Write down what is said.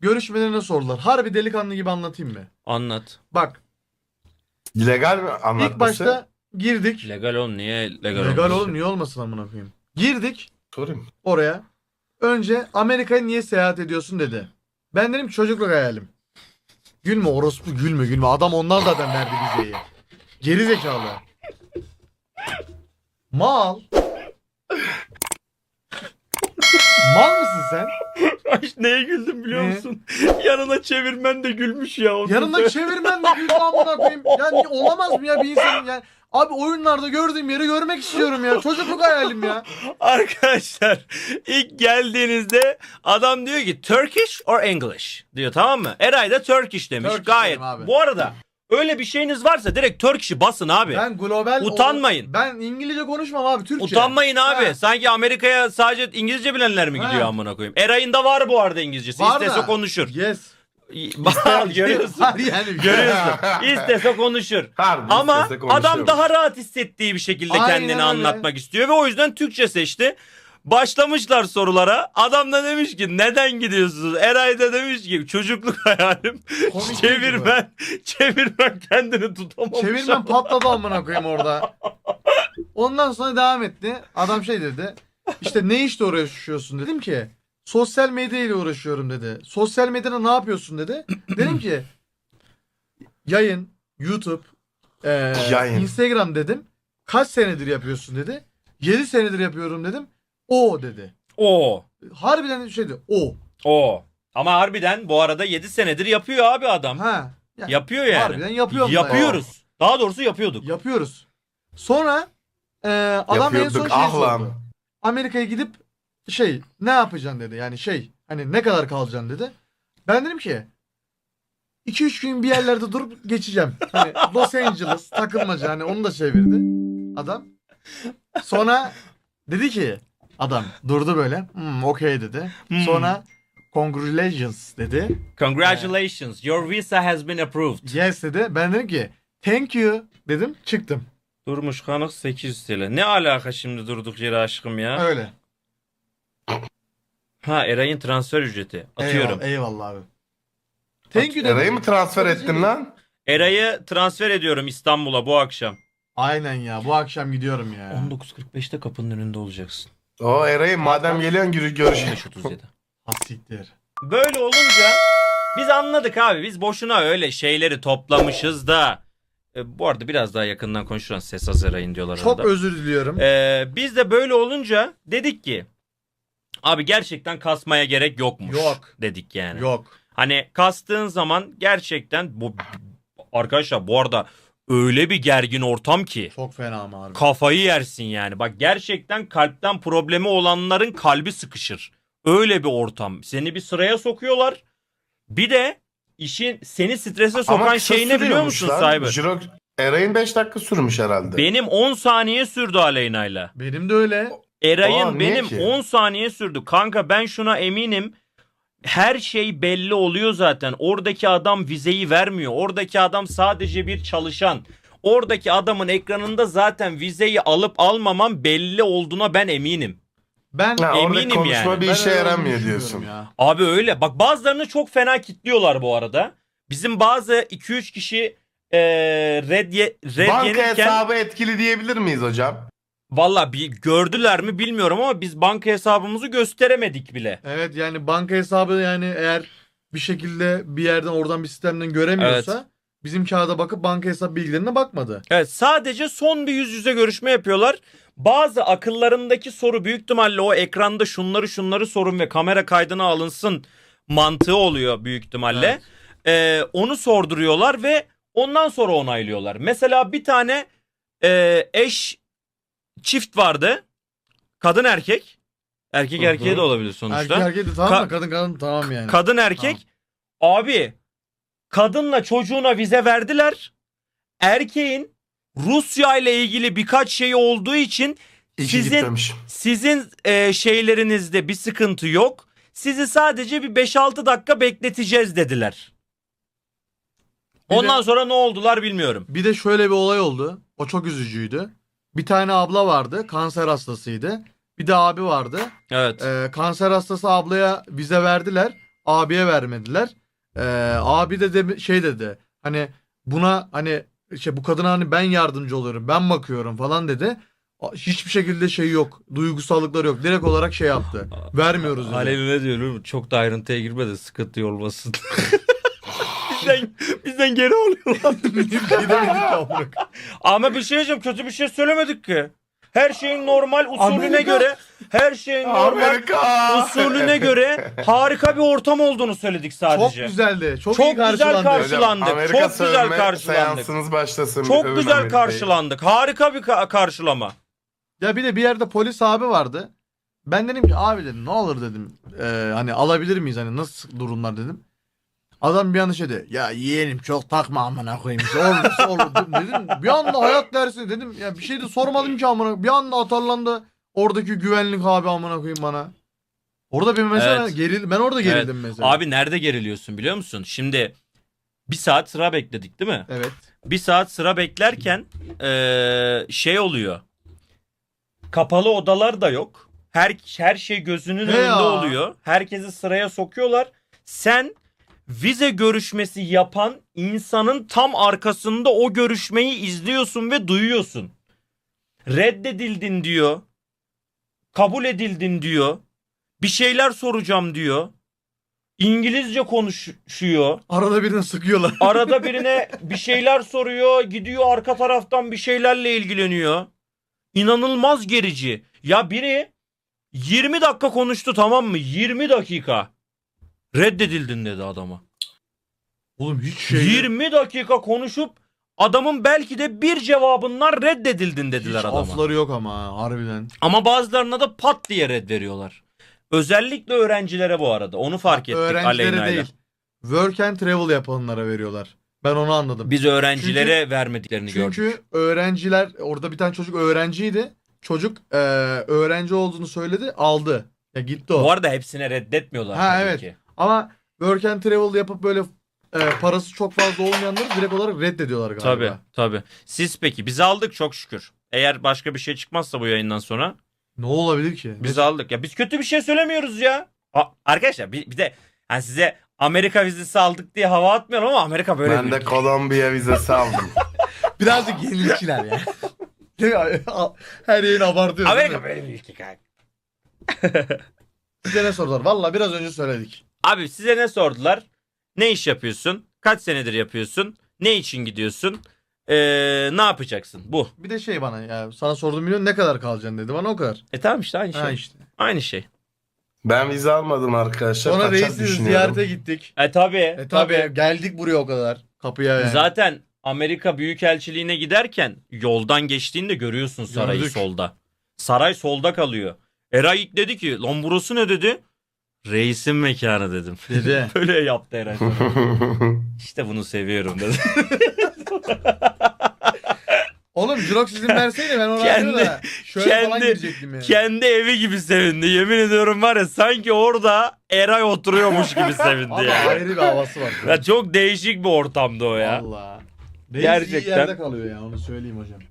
görüşmelerine sordular. Harbi delikanlı gibi anlatayım mı? Anlat. Bak Legal mi anlatması? ilk başta girdik. Legal oğlum, niye legal Legal olmasın? oğlum niye olmasın amına koyayım. Girdik Sorayım. oraya. Önce Amerika'ya niye seyahat ediyorsun dedi. Ben dedim ki çocukluk hayalim. Gülme orospu, gülme. Adam onlar zaten verdi vizeyi. Geri zekalı. Mal. Mal mısın sen? Ay, neye güldüm biliyor Ne? musun? Yanına çevirmen de gülmüş ya. Yanında çevirmen de güldü amına koyayım. Yani olamaz mı ya bir insanın yani. Abi oyunlarda gördüğüm yeri görmek istiyorum ya. Çocukluk hayalim ya. Arkadaşlar ilk geldiğinizde adam diyor ki Turkish or English diyor, tamam mı? Eray da Turkish demiş. Turkish Gayet. dedim abi. Bu arada öyle bir şeyiniz varsa direkt Turkish'i basın abi. Ben global... Utanmayın. Ben İngilizce konuşmam abi, Türkçe. Utanmayın abi. Ha. Sanki Amerika'ya sadece İngilizce bilenler mi gidiyor Ha. amına koyayım? Eray'ın da var bu arada İngilizcesi. Var İstese da. konuşur. Yes. Bak, görüyorsun. Var yani. Görüyorsun. İstese konuşur. Harbi Ama istese konuşuyor. adam daha rahat hissettiği bir şekilde Aynen kendini öyle. anlatmak istiyor ve o yüzden Türkçe seçti. Başlamışlar sorulara. Adam da demiş ki neden gidiyorsunuz? Eray da demiş ki çocukluk hayalim. Komik Çevirmen kendini tutamamış. Çevirmen patladı amına koyayım orada. Ondan sonra devam etti. Adam şey dedi. İşte ne işle uğraşıyorsun dedim ki. Sosyal medya ile uğraşıyorum dedi. Sosyal medyada ne yapıyorsun dedi. Dedim ki yayın, YouTube, Yayın. Instagram dedim. Kaç senedir yapıyorsun dedi. 7 senedir yapıyorum dedim. O dedi. O. Harbiden şeydi. O. O. Ama harbiden bu arada 7 senedir yapıyor abi adam. Ha. Yani Yapıyor yani. harbiden yapıyorum da Yapıyoruz. Daha doğrusu yapıyorduk. yapıyoruz. Sonra adam en son Yapıyorduk, şey ah sordu. lan. Amerika'ya gidip ne yapacaksın dedi. Yani hani ne kadar kalacaksın dedi. Ben dedim ki 2-3 gün bir yerlerde durup geçeceğim. Hani Los Angeles takılmaca, hani onu da çevirdi adam. Sonra dedi ki adam durdu böyle. Okey dedi. Sonra congratulations dedi. Congratulations. Your visa has been approved. Yes dedi. Ben dedim ki thank you dedim, çıktım. Durmuş kanık 800 TL. Ne alaka şimdi durduk yere aşkım ya? Öyle. Ha, Eray'ın transfer ücreti. Atıyorum. Eyvallah abi. Thank you dedim. Eray'ı mı transfer ettin lan? Eray'ı transfer ediyorum İstanbul'a bu akşam. Aynen ya, bu akşam gidiyorum ya. 19.45'te kapının önünde olacaksın. O Eray'ı madem geliyorsun görüş. 15.37. Hasiktir. Böyle olunca biz anladık abi. Biz boşuna öyle şeyleri toplamışız da. Bu arada biraz daha yakından konuşulan ses az Eray'ın diyorlar Çok arada. özür diliyorum. Biz de böyle olunca dedik ki abi gerçekten kasmaya gerek yokmuş. Yok. Dedik yani. Yok. Hani kastığın zaman gerçekten bu arkadaşlar bu arada öyle bir gergin ortam ki Çok fena ama abi. kafayı yersin yani. Bak gerçekten kalpten problemi olanların kalbi sıkışır. Öyle bir ortam. Seni bir sıraya sokuyorlar. Bir de işin seni strese sokan kısa şey ne biliyor musun sürüyormuş lan. Cyber? Eray'ın 5 dakika sürmüş herhalde. Benim 10 saniye sürdü Aleyna'yla. Benim de öyle. Eray'ın niye benim ki? 10 saniye sürdü. Kanka ben şuna eminim. Her şey belli oluyor zaten. Oradaki adam vizeyi vermiyor. Oradaki adam sadece bir çalışan. Oradaki adamın ekranında zaten vizeyi alıp almamam belli olduğuna ben eminim. Ben Ha, orada eminim konuşma yani. bir ben işe öyle yaramıyor düşünüyorum diyorsun. ya. Abi öyle. Bak bazılarını çok fena kitliyorlar bu arada. Bizim bazı 2-3 kişi red Banka yenirken hesabı etkili diyebilir miyiz hocam? valla bir gördüler mi bilmiyorum ama biz banka hesabımızı gösteremedik bile. Evet yani banka hesabı, yani eğer bir şekilde bir yerden oradan bir sistemden göremiyorsa bizim kağıda bakıp banka hesap bilgilerine bakmadı. Evet, sadece son bir yüz yüze görüşme yapıyorlar. Bazı akıllarındaki soru büyük ihtimalle o ekranda şunları sorun ve kamera kaydına alınsın mantığı oluyor büyük ihtimalle. Onu sorduruyorlar ve ondan sonra onaylıyorlar. Mesela bir tane eş çift vardı. Kadın erkek. Erkek Hı hı. erkeğe de olabilir sonuçta. Erkek erkek de tamam Ka- mı? Kadın kadın tamam yani. Kadın erkek. Abi kadınla çocuğuna vize verdiler. Erkeğin Rusya ile ilgili birkaç şey olduğu için İyi ki sizin gitmemiş. şeylerinizde bir sıkıntı yok. Sizi sadece bir 5-6 dakika bekleteceğiz dediler. Bir Ondan de- sonra ne oldular bilmiyorum. Bir de şöyle bir olay oldu. O çok üzücüydü. Bir tane abla vardı. Kanser hastasıydı. Bir de abi vardı. Evet. Kanser hastası ablaya vize verdiler. abiye vermediler. Abi de şey dedi. Hani buna hani bu kadına hani ben yardımcı oluyorum. Ben bakıyorum falan dedi. Hiçbir şekilde şey yok. Duygusallıkları yok. Direkt olarak şey yaptı. Vermiyoruz dedi. Alevi ne diyor? Çok da ayrıntıya girme de sıkıntı olmasın. bizden geri alıyorlar. Ama bir şey diyeceğim, kötü bir şey söylemedik ki. Her şeyin normal usulüne Amerika. göre, her şeyin normal Amerika. usulüne göre harika bir ortam olduğunu söyledik Çok sadece. güzeldi. Çok Çok iyi güzel karşılandı. karşılandık. Amerika Çok güzel sövme karşılandık. seansınız başlasın. Çok Övün güzel Amerika'yı. karşılandık. Harika bir karşılama. Ya bir de bir yerde polis abi vardı. Ben dedim ki abi dedim ne olur dedim. Hani alabilir miyiz hani nasıl durumlar dedim. Adam bir anda şey dedi. Ya yeğenim çok takma amına koyayım. İşte olursa olur dedim. Bir anda hayat dersi dedim. Ya bir şey de sormadım ki amına. Bir anda atarlandı oradaki güvenlik abi amına koyayım bana. Orada bir mesela Evet. ben orada gerildim Evet. mesela. Abi nerede geriliyorsun biliyor musun? Şimdi bir saat sıra bekledik değil mi? Evet. Bir saat sıra beklerken şey oluyor. Kapalı odalar da yok. Her şey gözünün He önünde ya. oluyor. Herkesi sıraya sokuyorlar. Sen vize görüşmesi yapan insanın tam arkasında o görüşmeyi izliyorsun ve duyuyorsun. Reddedildin diyor. Kabul edildin diyor. Bir şeyler soracağım diyor. İngilizce konuşuyor. Arada birini sıkıyorlar. Arada birine bir şeyler soruyor. Gidiyor arka taraftan bir şeylerle ilgileniyor. İnanılmaz gerici. Ya biri 20 dakika konuştu, tamam mı? 20 dakika. Reddedildin dedi adama. Oğlum hiç şey 20 dakika konuşup adamın belki de bir cevabından reddedildin dediler hiç adama. afları yok ama harbiden. Ama bazılarına da pat diye red veriyorlar. Özellikle öğrencilere bu arada. Onu fark ettik Öğrencilere Aleyna'yla. değil. Work and travel yapanlara veriyorlar. Ben onu anladım. Biz öğrencilere vermediklerini gördük. Çünkü öğrenciler orada bir tane çocuk öğrenciydi. Çocuk öğrenci olduğunu söyledi, aldı. Ya gitti o. Bu arada hepsine reddetmiyorlar Ha, tabii evet. ki. Ama work and travel yapıp böyle parası çok fazla olmayanları direkt olarak reddediyorlar galiba. Tabii tabii. Siz peki? Biz aldık çok şükür. Eğer başka bir şey çıkmazsa bu yayından sonra Ne olabilir ki? biz aldık. Ya biz kötü bir şey söylemiyoruz ya. Arkadaşlar bir de hani size Amerika vizesi aldık diye hava atmıyorum ama Amerika böyle Ben bir de ülke. Kolombiya vizesi aldım. Birazcık yenilikçiler ya. Değil mi? Her yayını abartıyoruz. Amerika böyle bir ülke kanka. Size ne sordular? Valla biraz önce söyledik. Abi size ne sordular? Ne iş yapıyorsun? Kaç senedir yapıyorsun? Ne için gidiyorsun? Ne yapacaksın? Bu. Bir de şey bana ya sana sorduğum milyon ne kadar kalacaksın dedi bana o kadar. Tamam işte aynı şey. Ha işte. Aynı şey. Ben vize almadım arkadaşlar. Sonra Kaçak reisi düşünüyorum. ziyarete gittik. Tabii. Tabii geldik buraya o kadar. Kapıya yani. Zaten Amerika Büyükelçiliğine giderken yoldan geçtiğinde görüyorsun sarayı Gördük. solda. Saray solda kalıyor. Eray ilk dedi ki lan burası ne dedi? Reisin mekanı dedim. Dedi. Böyle yaptı Eray. İşte bunu seviyorum dedi. Oğlum Jirox izin verseydi ben ona Kendi- da şöyle falan kendi- girecektim yani. Kendi evi gibi sevindi. Yemin ediyorum var ya sanki orada Eray oturuyormuş gibi sevindi Ama ya. ayrı bir havası var. Ya çok değişik bir ortamdı o ya. Valla. Reis iyi Gerçekten. yerde kalıyor ya onu söyleyeyim hocam.